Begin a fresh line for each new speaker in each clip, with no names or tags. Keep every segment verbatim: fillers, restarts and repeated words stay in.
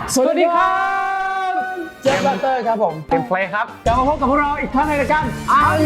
สวัสดีครับเจฟบัตเตอร์ครับผม
เป็นเพลย์ครับ
กลับมาพบกับพวกเราอีกครั้งในรายการอัน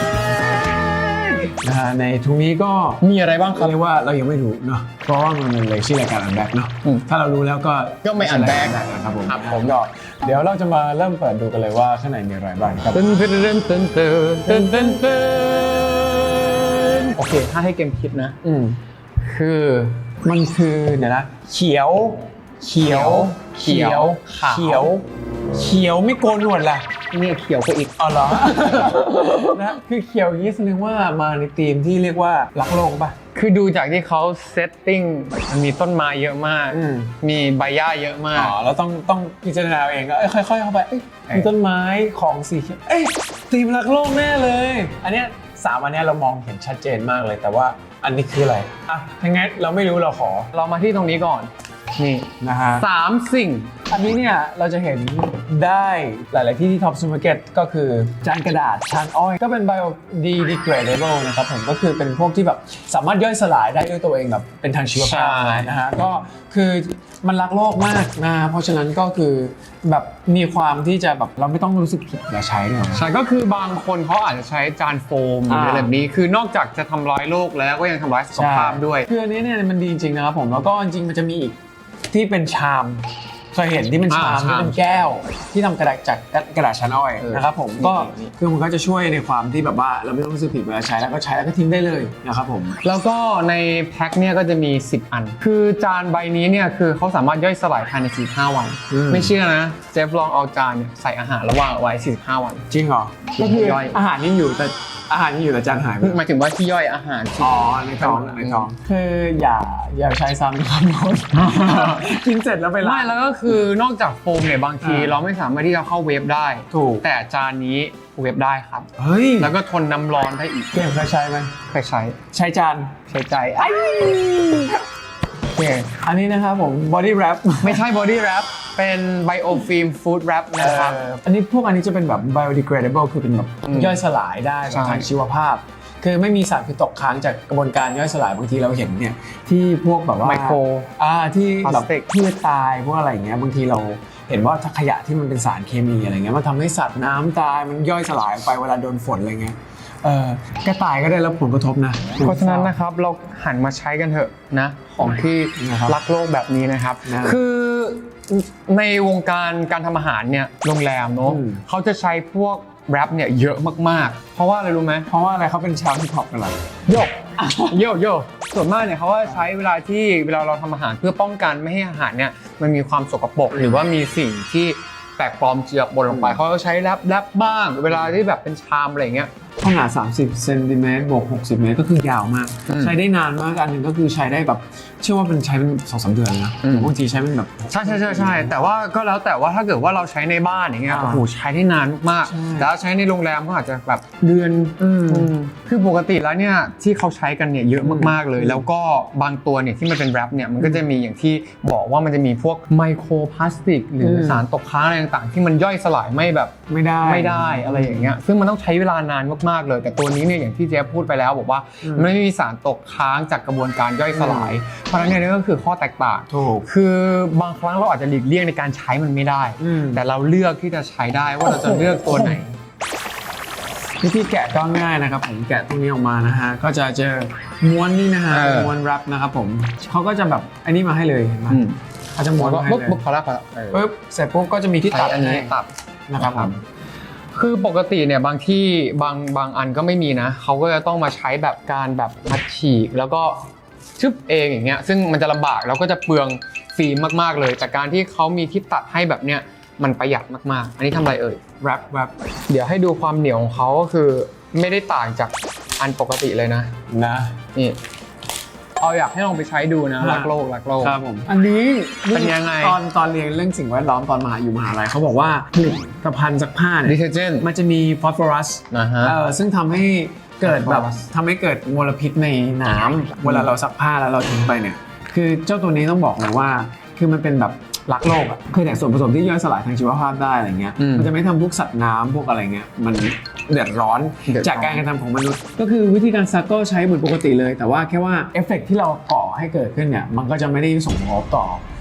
นะฮะในทุกนี้ก็
มีอะไรบ้างครับ
เรียกว่าเรายังไม่รู้เนาะเพราะว่ามันเลยชื่อรายการอันแบ็กเนาะถ้าเรารู้แล้วก็
ก็ไม่อันแบ็ก
นะครับผมผมก็เดี๋ยวเราจะมาเริ่มเปิดดูกันเลยว่าข้างในมีอะไรบ้างครับ
เต้นเต้นเต้นเต้นเต้นเต้นเต้นเต้นโอเคถ้าให้เกมคิดนะ
อืม
คือ
มันคือเดี๋ยวนะเขียวเขียวเขียวเขียวเขียวไม่โกนหนวดล่ะ
นี่เขียวกว่าอีก
อ๋อเหรอนะคือเขียวอย่างนี้แสดงว่ามาในธีมที่เรียกว่ารักโลกป่ะ
คือดูจากที่เขาเซตติ้งมันมีต้นไม้เยอะมากมีใบหญ้าเยอะมาก
อ๋อแล้วต้องต้องพิจารณาเองก็ค่อยๆเข้าไปมีต้นไม้ของสีเขียวเอ้ยธีมรักโลกแน่เลยอันเนี้ยสามอันเนี้ยเรามองเห็นชัดเจนมากเลยแต่ว่าอันนี้คืออะไรอ่ะถ้างั้นเราไม่รู้เราขอ
เรามาที่ตรงนี้ก่อนนี่
นะฮะ
สามสิ่ง
อันนี้เนี่ยเราจะเห็นได้หลายๆที่ที่ท็อปซูเปอร์มาร์เก็ตก็คือจานกระดาษชานอ้อยก็เป็น biodegradable นะครับผมก็คือเป็นพวกที่แบบสามารถย่อยสลายได้ด้วยตัวเองแบบเป็นทางชีวภาพนะฮะก็คือมันรักโลกมากนะเพราะฉะนั้นก็คือแบบมีความที่จะแบบเราไม่ต้องรู้สึกผิดเวลาใช้เนี่ย
ใช่ก็คือบางคนเขาอาจจะใช้จานโฟมหรืออะไรแบบนี้คือนอกจากจะทำร้ายโลกแล้วก็ยังทำร้ายสุขภาพด้วย
คืออันนี้เนี่ยมันดีจริงนะครับผมแล้วก็จริงๆมันจะมีอีกที่เป็นชามเคยเห็นที่เป็นชามที่เป็นแก้วที่ทำกระดาษจากกระดาษชานอ้อยนะครับผมก็คือมันก็จะช่วยในความที่แบบว่าเราไม่ต้องรู้สึกผิดเวลาใช้แล้วก็ใช้แล้วก็ทิ้งได้เลยนะครับผม
แล้วก็ในแพ็คเนี่ยก็จะมีสิบอันคือจานใบนี้เนี่ยคือเขาสามารถย่อยสลายภายในสี่สิบห้าวันไม่เชื่อนะเจฟลองเอาจานเนี่ยใส่อาหารแล้ววางไว้สี่สิบห้าวัน
จริงเหรอก็คืออาหารยังอยู่แต่อาหารยังอยู่แต่จานหายไป
หมายถึงว่าที่ย่อยอาหาร
อ๋อในท้องในท้องคืออย่าอย่าใช้ซ้ำนะครับน้องกินเสร็จแล้วไปล้าง
ไม่แล้วก็คือนอกจากโฟมเนี่ยบางทีเราไม่สามารถที่จะเข้าเวฟได้
ถูก
แต่จานนี้เวฟได้ครับ
เฮ้ย
แล้วก็ทนน้ำร้อนได้อีก
เก่งเคยใช้ไหม
เคยใช้
ใช้จาน
ใช้ใจ
โอเคอันนี้นะครับผม body wrap
ไม่ใช่ body wrap เป็น biofilm food wrap นะครับ
อันนี้พวกอันนี้จะเป็นแบบ biodegradable คือเป็นแบบย่อยสลายได้ทางชีวภาพคือไม่มีสารพิษตกค้างจากกระบวนการย่อยสลายบางทีเราเห็นเนี่ยที่พวกแบบว่า
ไมโคร
อ่าที่แบบพืชตายพวกอะไรอย่างเงี้ยบางทีเราเห็นว่าขยะที่มันเป็นสารเคมีอะไรเงี้ยมันทำให้สัตว์น้ำตายมันย่อยสลายไปเวลาโดนฝนอะไรเงี้ยเออกระต่ายก็ได้รับผลกระทบนะ
เพราะฉะนั้นนะครับเราหันมาใช้กันเถอะนะของที่รักโลกแบบนี้นะครับคือในวงการการทำอาหารเนี่ยโรงแรมเนาะเขาจะใช้พวกแรปเนี่ยเยอะมากๆเพราะว่าอะไรรู้ไหม
เพราะว่าอะไรเขาเป็นชาวฮิปฮอปกันหรอ
โยกโยกโยกส่วนมากเนี่ยเขาว่าใช้เวลาที่เวลาเราทำอาหารเพื่อป้องกันไม่ให้อาหารเนี่ยมันมีความสกปรกหรือว่ามีสิ่งที่แปลกปลอมเจือปนลงไปเขาก็ใช้แรปแรปบ้างเวลาที่แบบเป็นชามอะไรเงี้ย
ขนาดสามสิบเซนติเมตรบวกหกสิบเมตรก็คือยาวมากใช้ได้นานมากอันนึงก็คือใช้ได้แบบเชื่อว่าเป็นใช้เป็น สองสาม เดือนนะบางทีใช้เป็นแบบ
ใช่ใช่ใช่ใช่แต่ว่าก็แล้วแต่ว่าถ้าเกิดว่าเราใช้ในบ้านอย่างเงี้ยโอ้โหใช้ได้นานมากๆแต่ถ้าใช้ในโรงแรมก็อาจจะแบบเดือนคือปกติแล้วเนี่ยที่เขาใช้กันเนี่ยเยอะมากๆเลยแล้วก็บางตัวเนี่ยที่มันเป็นแรปเนี่ยมันก็จะมีอย่างที่บอกว่ามันจะมีพวกไมโครพลาสติกหรือสารตกค้างอะไรต่างๆที่มันย่อยสลายไม่แบบ
ไม่ได้
ไม่ได้อะไรอย่างเงี้ยซึ่งมันต้องใช้เวลานานมากๆเลยแต่ตัวนี้เนี่ยอย่างที่เจ๊พูดไปแล้วบอกว่ามันไม่มีสารตกค้างจากกระบวนการย่อยสลายเพราะฉะนั้นเนี่ยก็คือข้อแตกต่าง
ถูก
คือบางครั้งเราอาจจะหลีกเลี่ยงในการใช้มันไม่ได้แต่เราเลือกที่จะใช้ได้ว่าเราจะเลือกตัวไหน
วิธีแกะก็ง่ายนะครับผมแกะตรงนี้ออกมานะฮะก็จะเจอม้วนนี่นะฮะม้วนแรปนะครับผมเขาก็จะแบบอันนี้มาให้เลยเห็นไหมเขาจะม้วนมาให้เลย
ปุ๊บพอแล้วพอแล้ว
ปุ๊บเสร็จปุ๊บก็จะมีที่ตัด
อันนี้ตัด
นะครับผม
คือปกติเนี่ยบางที่บางบางอันก็ไม่มีนะเขาก็จะต้องมาใช้แบบการแบบมัดฉีกแล้วก็ชึบเองอย่างเงี้ยซึ่งมันจะลำบากแล้วก็จะเปลืองฟิล์มมากๆเลยแต่การที่เขามีที่ตัดให้แบบเนี้ยมันประหยัดมากๆอันนี้ทำอะไรเอ่ย
แรปแรป
เดี๋ยวให้ดูความเหนียวของเขาก็คือไม่ได้ต่างจากอันปกติเลยนะ
นะ
นี่เอาอยากให้ลองไปใช้ดูนะรักโลกรักโลก
ครับผมอันนี้
เป็นยังไง
ตอนตอนเรียนเรื่องสิ่งแวดล้อมตอนมหาอยู่มหาลัยเขาบอกว่าผลิตภัณฑ์ซักผ้าเนี่ย
ดิเทอร์เจนต์
มันจะมีฟอสฟอรัส
นะฮะ
เออซึ่งทำให้เกิดแบบทำให้เกิดมลพิษในน้ำเวลาเราซักผ้าแล้วเราทิ้งไปเนี่ยคือเจ้าตัวนี้ต้องบอกเลยว่าคือมันเป็นแบบรักโลกอ่ะคือแต่ส่วนผสมที่ย่อยสลายทางชีวภาพได้อะไรเงี้ยมันจะไม่ทำพวกสัตว์น้ำพวกอะไรเงี้ยมันเดือดร้อนจากการกระทำของมนุษย์ก็คือวิธีการซักก็ใช้เหมือนปกติเลยแต่ว่าแค่ว่าเอฟเฟกต์ที่เราก่อให้เกิดขึ้นเนี่ยมันก็จะไม่ได้ส่งผลต่อ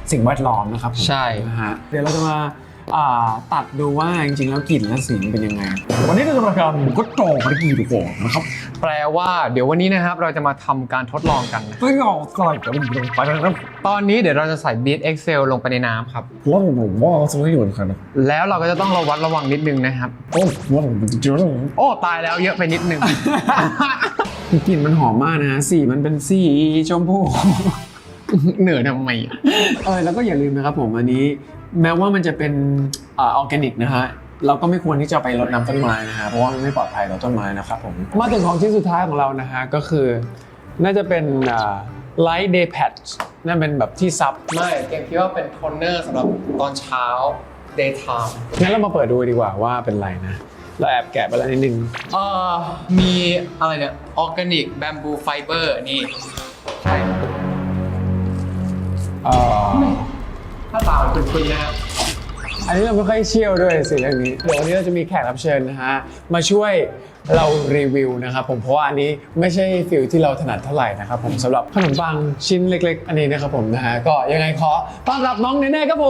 สิ่งแวดล้อมนะครับผม
ใช่
นะฮะเดี๋ยวเราจะมาอ่าตัดดูว่าจริงๆแล้วกลิ่นและสีเป็นยังไงวันนี้เราจะมาทำก็โตไปกี่ดูก่อนนะครับ
แปลว่าเดี๋ยววันนี้นะครับเราจะมาทำการทดลองกันนะ
ไม่ออกกลายกับมันลงไปนะครับ
ตอนนี้เดี๋ยวเราจะใส่ Beat Excel ลงไปในน้ำครับ
ว่าผมว่าจะไม่อยู่เหมือนกันนะ
แล้วเราก็จะต้องระวัดระวังนิดนึงนะครับ
โอ้ว่าผมจะเจอแล้ว
โอ้ตายแล้วเยอะไปนิดนึง
กลิ่นมันหอมมากนะฮะสีมันเป็นสีชมพู
เหนื่อยทำไมอะ
เออแล้วก็อย่าลืมนะครับผมอันนี้แม้ว่ามันจะเป็นอ่าออร์แกนิกนะฮะเราก็ไม่ควรที่จะไปรดน้ำต้นไม้นะฮะเพราะว่ามันไม่ปลอดภัยต่อต้นไม้นะครับผมมาถึงของชิ้นสุดท้ายของเรานะฮะก็คือน่าจะเป็นอ่า light day patch นั่นเป็นแบบที่ซับ
ไม่เกมคิดว่าเป็นโทนเนอร์สำหรับตอนเช้า daytime
งั้นเรามาเปิดดูดีกว่าว่าเป็นไรนะเราแอบแกะไปแล้วนิดนึง
เอ่อมีอะไรเนี่ยออร์แกนิกแบมบูไฟเบอร์นี่ใช่
เอ่อ
ถ้าตาเป็นคุยนะครับ
อันนี้เราไม่ค่อยเชี่ยวด้วยสิเรื่องนี้เดี๋ยววันนี้เราจะมีแขกรับเชิญนะฮะมาช่วยเรารีวิวนะครับผมเพราะว่าอันนี้ไม่ใช่ฟิลที่เราถนัดเท่าไหร่นะครับผมสำหรับขนมปังชิ้นเล็กๆ อันนี้นะครับผมนะฮะก็ยังไงขอต้อนรับน้องเนเน่ครับผม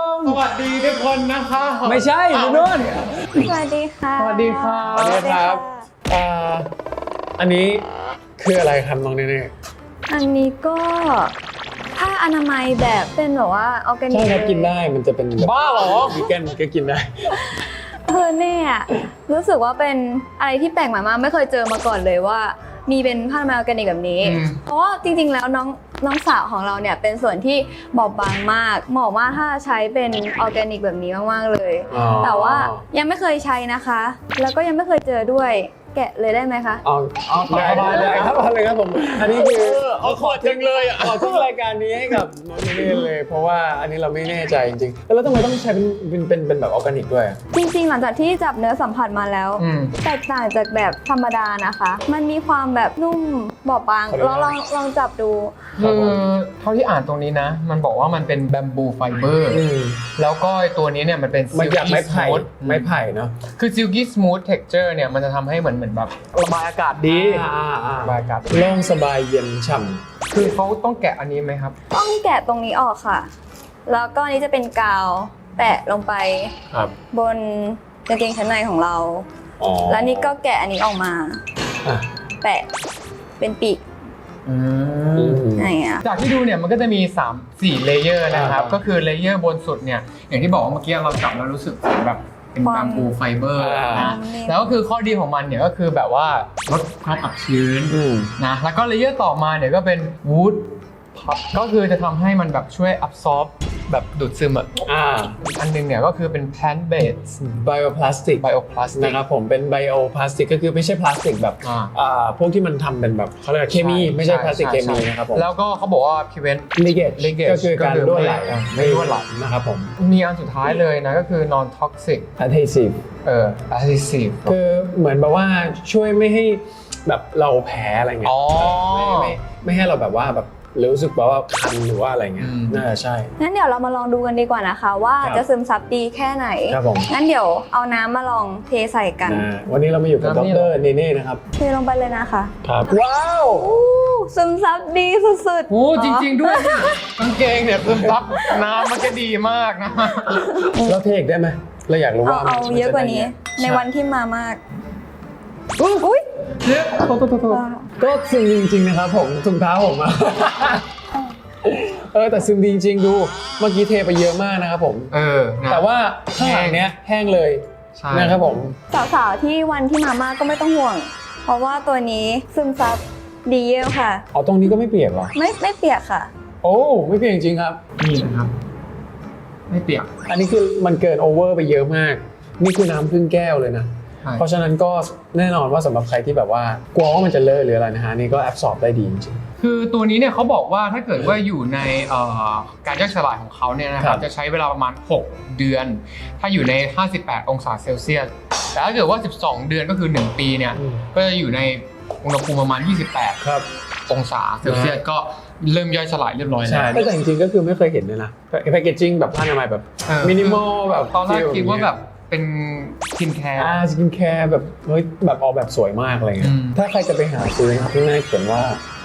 สวัสดีทุกคนนะคะ
ไม่ใช่คุณนุ่น
สวัสดีค่ะ
สวัสดีค่ะ
สวัสดีครับอ่าอันนี้คืออะไรครับน้องเนเน่
อันนี้ก็ผ้าอนามัยแบบเป็นแบบว่าออร์แกนิก
ใช่ครับกินได้มันจะเป็นแบบ
บ้าเหรอ
วีแกนก็กินได้
เออเนี่ยรู้สึกว่าเป็นอะไรที่แปลกใหม่มากไม่เคยเจอมาก่อนเลยว่า มีเป็นผ้าอนามัยออร์แกนิกแบบนี้ เพราะว่าจริงๆแล้วน้องน้องสาวของเราเนี่ยเป็นส่วนที่บอบบางมากเหมาะมากถ้าใช้เป็นออร์แกนิกแบบนี้มากๆเลย
อ๋อ
แต่ว่ายังไม่เคยใช้นะคะ แล้วก็ยังไม่เคยเจอด้วยแกะเลยได้ไหมคะ
เอาเอาสบายเลยครับเอาเลยครับผมอันนี้คือ
เอาขอจังเลยอ่ะ
ขอทุกรายการนี้ให้กับน้องเนเน่เลย เพราะว่าอันนี้เราไม่แน่ใจจริงๆแล้วทำไมต้องใช้เป็นเป็นเป็นเป็นแบบออร์แกนิกด้วยอะ
จริงๆ หลังจากที่จับเนื้อสัมผัสมาแล้ว
อืม
แตกต่างจากแบบธรรมดานะคะ มันมีความแบบนุ่มบอบบางลองลองลองจับดู
คือเท่าที่อ่านตรงนี้นะ มันบอกว่ามันเป็นแบมบูไฟเบอร์
อืม
แล้วก็ตัวนี้เนี่ยมันเป็น
มันจากไม้
silky
ไผ่
smooth
ไม้ไผ่เนาะ
คือ silky smooth texture เนี่ยมันจะทำให้เหมือนเหมือนแบบระบายอากาศดี
อ่าอ่า
ระบายอากาศ
โล่งสบายเย็นฉ่
คือเขาต้องแกะอันนี้ไหมครับ
ต้องแกะตรงนี้ออกค่ะ แล้วก็อันนี้จะเป็นกาวแปะลงไป
ำครับ
บนกางเกงชั้นในของเรา
อ๋อ
แล้วนี่ก็แกะอันนี้ออกมา
อ่ะ
แปะเป็นปีก
อืม
อะไรอย่างเงี้ย
จากที่ดูเนี่ยมันก็จะมีสาม สี่เลเยอร์นะครับ
อ่า
ก็คือเลเยอร์บนสุดเนี่ยอย่างที่บอกว่าเมื่อกี้เราจับแล้วรู้สึกเหมือนแบบเป็น
ควา
แบ
ม
มบูไฟเบอร์
อ่า
นะแล้วก็คือข้อดีของมันเนี่ยก็คือแบบว่าลดความอับชื้น
อืม
นะแล้วก็เลเยอร์ต่อมาเนี่ยก็เป็นวูดพับก็คือจะทำให้มันแบบช่วยอับซอร์บแบบดูดซึมอ่ะ
อ่า
อันนึงเนี่ยก็คือเป็น plant based
bioplastic
bioplastic
นะครับผมเป็น bioplastic ก็คือไม่ใช่พลาสติกแบบ
อ่า
อ่าพวกที่มันทำเป็นแบบเขาเรียกว่าเคมีไม่ใช่พลาสติกเคมี
ใช่
นะครับผม
แล้วก็เขาบอกว่า prevent
leakage
leakage
ก็คือการรั่วไหล
ก็คือไม่รั่วไหล
นะครับผม
มีอันสุดท้ายเลยนะก็คือ non toxic
adhesive
เอ่อ adhesive
คือเหมือนแบบว่าช่วยไม่ให้แบบเราแพ้อะไรเงี้ย
อ๋อ
ไม่ไม่ไม่ให้เราแบบว่าแบบรู้สึกแบบว่าคันหรือว่าอะไรเงี้ย
อืม
น่าจะใช่
งั้นเดี๋ยวเรามาลองดูกันดีกว่านะคะ ว่า
ครับ
จะซึมซับดีแค่ไหน
ครับผม
งั้นเดี๋ยวเอาน้ำมาลองเทใส่กัน
อ่าวันนี้เรามาอยู่กับด
น้ำนี่
ร
เหรอ
เนเน่นะครับ
เทลงไปเลยนะคะ
ครับว้าว
อู้ซึมซับดีสุดๆ
โอ้จริง ๆ ด้วยกางเกงเนี่ยซึมซับน้ำมันจะดีมากนะ
เราเทคได้ไหมเราอยากรู้
เอา
ว่า
เอา
มั
เยอะกว่านี้
จได้ไง
ในวันที่มามาก อุ้ย
เยอะ
โทษโทษโทษโทษก็ซึมจริงๆนะครับผมถุงเท้าผมอะ เออแต่ซึมดีจริงๆดูเมื่อกี้เทไปเยอะมากนะครับผม
เออนะ
แต่ว่าข้างหลังเนี้ยแห้งเลย
ใช่
นะครับผม
สาวๆที่วันที่มามากก็ไม่ต้องห่วง เพราะว่าตัวนี้ซึมซับดีเยี่ยมค่ะ
เอาตรงนี้ก็ไม่เปียกเหรอ
ไม่ไม่เปียกค่ะ
โอ้ไม่เปียกจริงๆครับ
นี่นะครับ ไม่เปียก
อันนี้คือมันเกินโอเวอร์ไปเยอะมาก นี่คือน้ำครึ่งแก้วเลยนะ
ใช่
เพราะฉะนั้นก็แน่นอนว่าสำหรับใครที่แบบว่ากลัวว่ามันจะเลอะหรืออะไรนะฮะนี่ก็แอบสอบได้ดีจริง
คือตัวนี้เนี่ยเขาบอกว่าถ้าเกิดว่าอยู่ในเอ่อการย่อยสลายของเขาเนี่ยนะค
ครั
รับบ จะใช้เวลาประมาณหกเดือน ถ้าอยู่ใน ห้าสิบแปด องศาเซลเซียส แต่ถ้าเกิดว่า สิบสอง เดือนก็คือ หนึ่ง ปีเนี่ย
อืม
ก็จะอยู่ในอุณหภูมิประมาณ ยี่สิบแปด
ๆครับ
องศาเซลเซียสก็เริ่มย่อยสลายเรียบร้อยแล้
ใช่
ว
แต่จริงๆก็คือไม่เคยเห็นเลยนะแพคเกจจิ้งแบบผ้าอนามัยแบบ
เออ
มินิมอลแบบ
ตอนแรกคิดว่าแบบเป็นสกินแคร์
อ่าสกินแคร์แบบเฮ้ยแบบออกแบบสวยมากอะไรเงี้
อื
ย
ม
ถ้าใครจะไปหาซื้อนะครับข้างหน้าเขียนว่า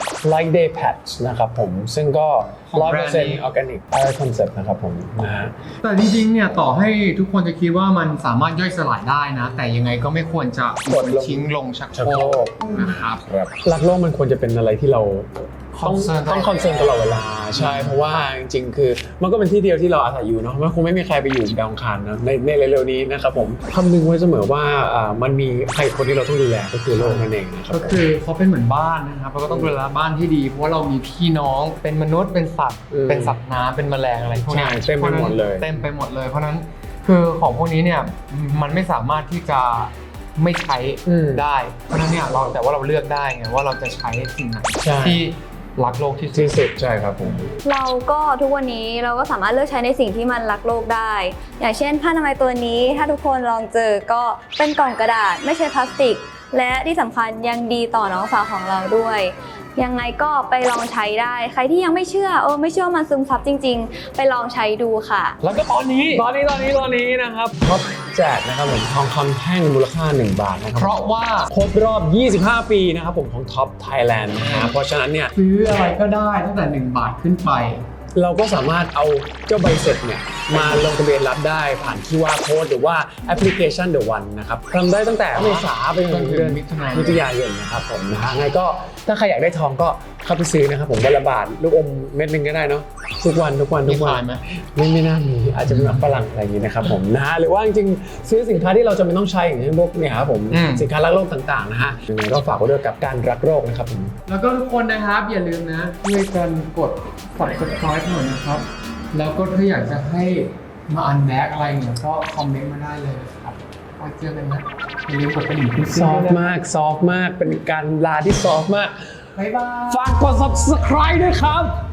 Like Day Patch นะครับผมซึ่งก็
ของ
ร้อย
แบร
เปอน ร์
ด์
เซ็นต์
นี้
ออร์แกนิก Air Concept นะครับผมนะฮะ
แต่จริงๆ เนี่ยต่อให้ทุกคนจะคิดว่ามันสามารถย่อยสลายได้นะ แต่ยังไงก็ไม่ควรจะ
กดลง
ทิ้งลงชัก
ชัก
โค
โค
ร
ร
ก
ก
นะครับ
ครับรักโลกมันควรจะเป็นอะไรที่เราต้อง
Concern
ต้องคอนเซิร์นตลอดเวลาใช่เพราะว่าจริงๆ คือมันก็เป็นที่เดียวที่เราอาศัยอยู่เนาะมันคงไม่มีใครไปอยู่ดาวอังคารนะในในเร็วๆนี้นะครับผมคำนึงไว้เสมอว่าอ่ามันมีใครคนที่เราต้องดูแลก็คือโลกนั่นเองนะครับ
ก็คือเขาเป็นเหมือนบ้านนะครับเราก็ต้องดูแลบ้านที่ดีเพราะว่าเรามีพี่น้องเป็นมนุษย์เป็นสัตว์
อืม
เป็นสัตว์น้ำเป็นแมลงอะไรพวกนี้
ใช่เต็มไปหมดเลย
เต็มไปหมดเลย เพราะฉะนั้นคือของพวกนี้เนี่ยมันไม่สามารถที่จะไม่ใช้
อืม
ได้เพราะฉะนั้นเนี่ยเราแต่ว่าเราเลือกได้ไงว่าเราจะใช้สิ่งไหน
ใช่
ที่รักโลกที่สุด
ที่สุดใช่ครับผม
เราก็ทุกวันนี้เราก็สามารถเลือกใช้ในสิ่งที่มันรักโลกได้ อย่างเช่นผ้าอนามัยตัวนี้ถ้าทุกคนลองเจอก็เป็นกล่องกระดาษไม่ใช่พลาสติก และที่สำคัญยังดีต่อน้องสาวของเราด้วย ยังไงก็ไปลองใช้ได้ ใครที่ยังไม่เชื่อเออไม่เชื่อมันซึมซับจริง ๆ ไปลองใช้ดูค่ะ
แล้วก็ตอนนี้
ตอนนี้ตอนนี้ตอนนี้นะครับท็อปแจกนะครับผมทองคำแท่งมูลค่าหนึ่งบาทนะครับ
เพราะว่า
ครบรอบ ยี่สิบห้า ปีนะครับผมของท็อปไทยแลนด์นะฮะเพราะฉะนั้นเนี่ย
ซื้ออะไรก็ได้ตั้งแต่หนึ่งบาทขึ้นไป
เราก็สามารถเอาเจ้าใบเสร็จเนี่ยมาลงทะเบียนรับได้ผ่าน คิว อาร์ Code หรือว่าแอปพลิเคชัน The One นะครับทำได้ตั้งแต่เมษาไปจนถึงเดือน
มิถุนายน
มิถุนายนนะครับผมนะฮะไงก็ถ้าใครอยากได้ทองก็เข้าไปซื้อนะครับผมวันละบาทลูกอมเม็ดหนึงก็ได้เนาะทุกวันทุกวันทุกวั
มีขาน ยไหม
ไม่ไม่น่ามีอาจจะเป็นแบบฝรั่งอะไรอย่างนี้นะครับผมนะฮะหรือว่าจริงๆซื้อสินค้าที่เราจะไม่ต้องใช้อย่างเช่นพวกเนี่ยครับผม
อืม
สินค้ารักโลกต่างๆนะฮะยังไงก็ฝากไว้ด้วยกับการรักโลกนะครับผม
แล้วก็ทุกคนนะครับอย่าลืมนะช่วยกันกด subscribe หน่อยนะครับ แล้วก็ถ้าอยากจะให้มาอันแบ็กอะไรเนี่ยก็คอมเมนต์มาได้เลยนะครับไว้เจอกันนะอย่าลืมกดกระดิ่งขึ้น
ซอฟต์มากซอฟต์มากเป็นการลาที่ซอฟต์มาก
บ๊ายบาย
ฝากกด subscribe ด้วยครับ